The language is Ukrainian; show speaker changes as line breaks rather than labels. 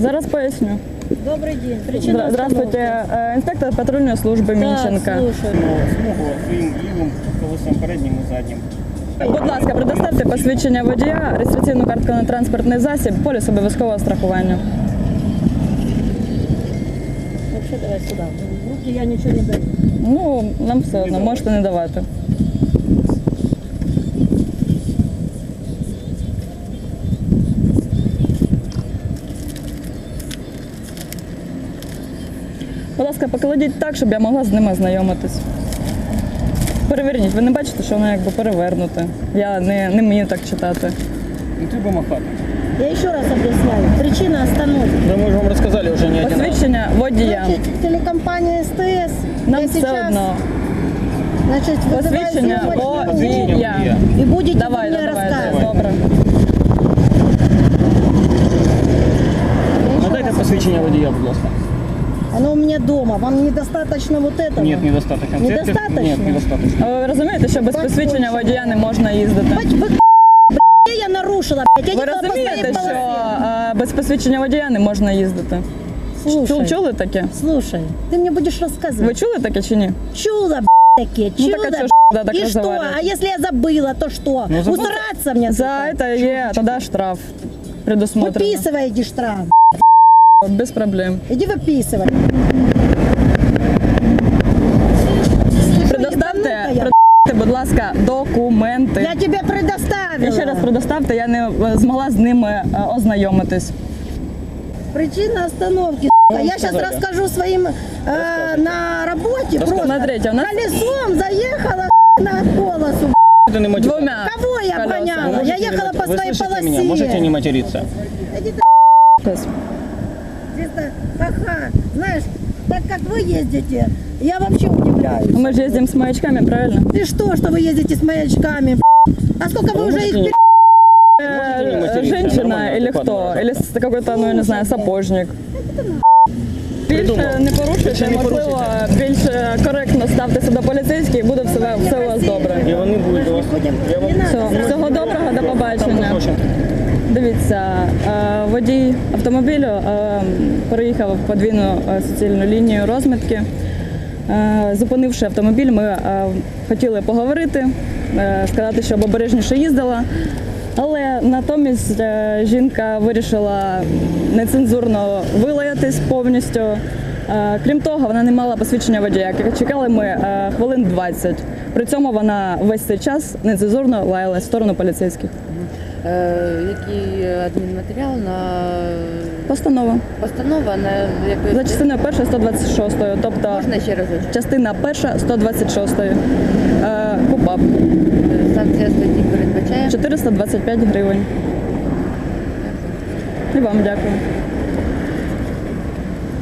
Зараз поясню.
Добрый день. Причина
Здравствуйте, інспектор патрульної служби Мінченка.
слушаю.
Смугу своїм лівим колесом переднім і заднім.
Будь ласка, предоставте посвідчення водія, реєстраційну картку на транспортний засіб, поліс обов'язкового страхування.
Вообще давай сюда. В руки я ничего не даю.
Ну, нам все одно, можете не давати. Будь ласка, покладіть так, щоб я могла з ними ознайомитись. Переверніть, ви не бачите, що воно якби перевернуте. Я не мені так читати.
Не треба махати.
Я еще раз объясняю. Причина остановки.
Да мы же вам рассказали уже не один раз.
Посвідчення водія.
Значит, телекомпания СТС.
Нам
я
все
сейчас,
одно.
значит,
Посвідчення
вызываю
водія.
и будете
Давай,
мне
давай,
рассказывать.
добре.
Надайте посвідчення водія, будь ласка.
Оно у меня дома. Вам недостаточно вот этого?
Нет, недостаточно.
Недостаточно?
Нет, недостаточно.
А ви розумієте, що без посвідчення водія не можна їздити?
Где я нарушила, блядь? Я
Ви
ехала по своей
розумієте, що
полосе.
без посвідчення водія не можна їздити?
Слушай,
Чули таке?
слушай, ты мне будешь рассказывать.
Ви чули таке чи ні?
Чудо, такие,
Ну
чудо.
так а чого ж тоді так
И что?
розговорюєте?
А если я забыла, то что?
Ну, забыла.
Усраться мне
За
тут?
це є тоді штраф предусмотрено.
Выписывай, иди штраф.
Без проблем.
Иди выписывай.
Предоставте, будь ласка, документи.
Я тебе предоставила.
І ще раз предоставте, я не змогла з ними ознайомитись.
Причина остановки. Я сейчас
сказали.
расскажу своим на работе. Просто
Смотрите, у нас-
колесом заехала на полосу.
Это не мотив.
Двумя
Кого я
колесами.
обгоняла? Я ехала по
Вы
своей
слышите
полосе.
меня? Можете не материться?
Иди
Щас.
Чисто, ха-ха. Знаешь, так как вы ездите, я вообще удивляюсь.
Мы же ездим с маячками, правильно?
И что вы ездите с маячками? А сколько вы уже их
Можете не материться,
Женщина
нормально,
или
адекватно
кто?
выражаться.
Или какой-то, ну я не знаю, сапожник. Більше
Придумав.
не порушуйте,
Більше не
можливо,
порушуйте.
більш коректно ставтеся до поліцейських і буде все у вас добре.
І вони будуть до вас. Я вам
Всього доброго, до
там
побачення.
попрошу.
Дивіться, водій автомобілю переїхав подвійну суцільну лінію розмітки. Зупинивши автомобіль, ми хотіли поговорити, сказати, щоб обережніше їздила. Але натомість жінка вирішила нецензурно вилаятись повністю. Крім того, вона не мала посвідчення водія. Чекали ми хвилин 20. При цьому вона весь цей час нецензурно лаялась в сторону поліцейських.
Який адмінматеріал на
Постанова.
постанова на якої
За частиною 1 126, тобто
можна ще разочок?
частина 1 126. КУПАП.
Санкція статті передбачає.
425 гривень. І вам дякую.